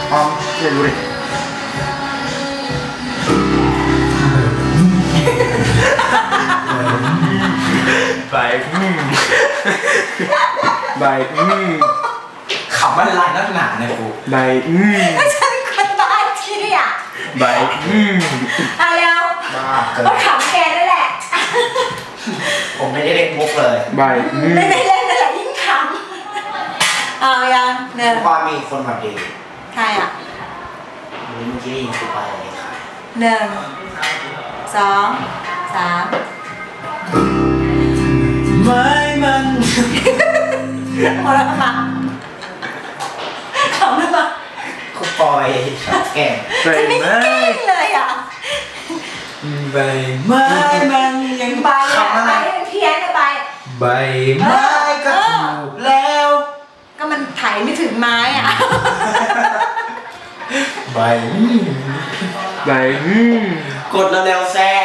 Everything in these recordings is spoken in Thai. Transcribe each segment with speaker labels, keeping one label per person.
Speaker 1: ออมเดี๋ยวดูดิใบใบ
Speaker 2: ขำอะไรนักหนาเนี่ยกู
Speaker 1: ใบ
Speaker 3: ฉันคนบ้าที่อ่ะ
Speaker 1: ใบ
Speaker 3: เอาแล้วก็ขำแกนั่นแหละ
Speaker 2: ผมไม่ได้เล่นมุกเลย
Speaker 1: ใบ
Speaker 3: ไม่ได้เล่นนั่นแหละยิ่งขำเอายังหนึ่ง
Speaker 2: ว่ามีคนมาดี
Speaker 3: ใครอ่ะ
Speaker 2: เมื่อกี้ยิงคือไปอะไรค่ะ
Speaker 3: 1 2 3
Speaker 2: ไม่มัน
Speaker 3: พอแล้วมาขำหรือเปล่า
Speaker 2: คุปอยแก่
Speaker 3: จะไม่เก่งเลยอ่ะ
Speaker 2: ใบไม้มันยัง
Speaker 3: ใบอะไรเพี้ยนไป
Speaker 2: ใบไม้ก็ถูกแล้ว
Speaker 3: ก็มันไถไม่ถึงไม้อ่ะ
Speaker 2: ใบ
Speaker 1: ใบ
Speaker 2: กดแล้วแซ่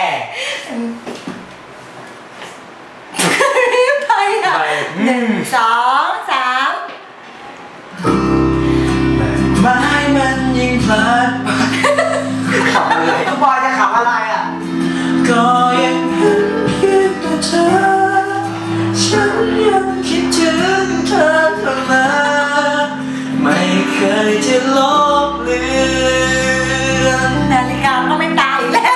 Speaker 3: ไปอ่ะ1 2 3
Speaker 2: ไม้มันยิงพลาดขำอะไรทุกบอยจะขำอะไรอ่ะก็ยังเห็นคิดแต่เธอฉันยังคิดถึงเธอเท่านั้นไม่เคยจะลบเลือน
Speaker 3: นาฬิกาก็ไม่ตายแล้ว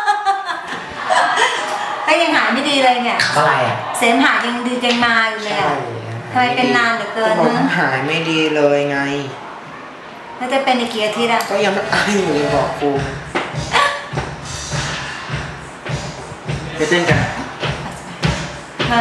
Speaker 3: ก็ยังหายไม่ดีเลยเนี่ย
Speaker 2: อะไรอ่ะ
Speaker 3: เสมหะยังดียังมาอยู่เลยอ่ะทำไมเป็นนานเหลือเกิน
Speaker 2: นะหายไม่ดีเลยไง
Speaker 3: แล้วจะเป็นอีกกี่อาทิตย์อ่ะ
Speaker 2: ก็ยังไม่ตายอยู่เลยบอกครู
Speaker 1: ไปเต้นกัน
Speaker 3: มา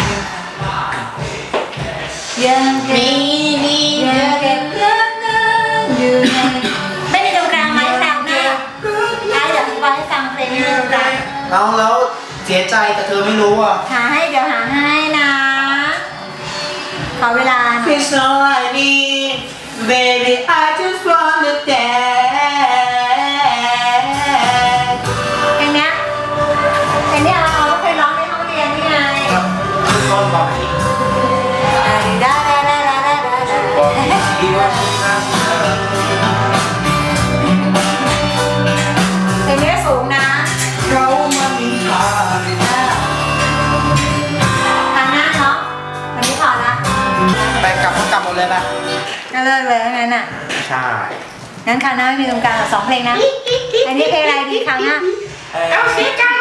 Speaker 3: ยังเก็บยังเก็บเงินอยู่ในไม่มีตรงกลางไหมแซวหน้าเดี๋ยวไปให้ฟังเพลงนี้ตรงกลาง
Speaker 2: น้องแล้วเสียใจแต่เธอไม่รู้อ่ะ
Speaker 3: เดี๋ยวหาให้นะขอเวลา
Speaker 2: It's all I need baby I just wanna dance
Speaker 3: เพลงนี้เราเคยร้องในห้องเรียนนี่ไง
Speaker 2: ต้นบอกอีกบอกอีกว่า
Speaker 3: เพลงนี้สูงนะ
Speaker 2: เรามามีท
Speaker 3: างหน้าเนาะวันนี้พอละ
Speaker 2: ไปกลับหมดเลยนะ
Speaker 3: ก็เลิกเลยงั้นอ่ะ
Speaker 2: ใช่
Speaker 3: งั้นคราวหน้าไม่มีตรงกลาง2 เพลงนะอันนี้เพลงอะไรดีคราวหน้า
Speaker 2: เอาเสียใจ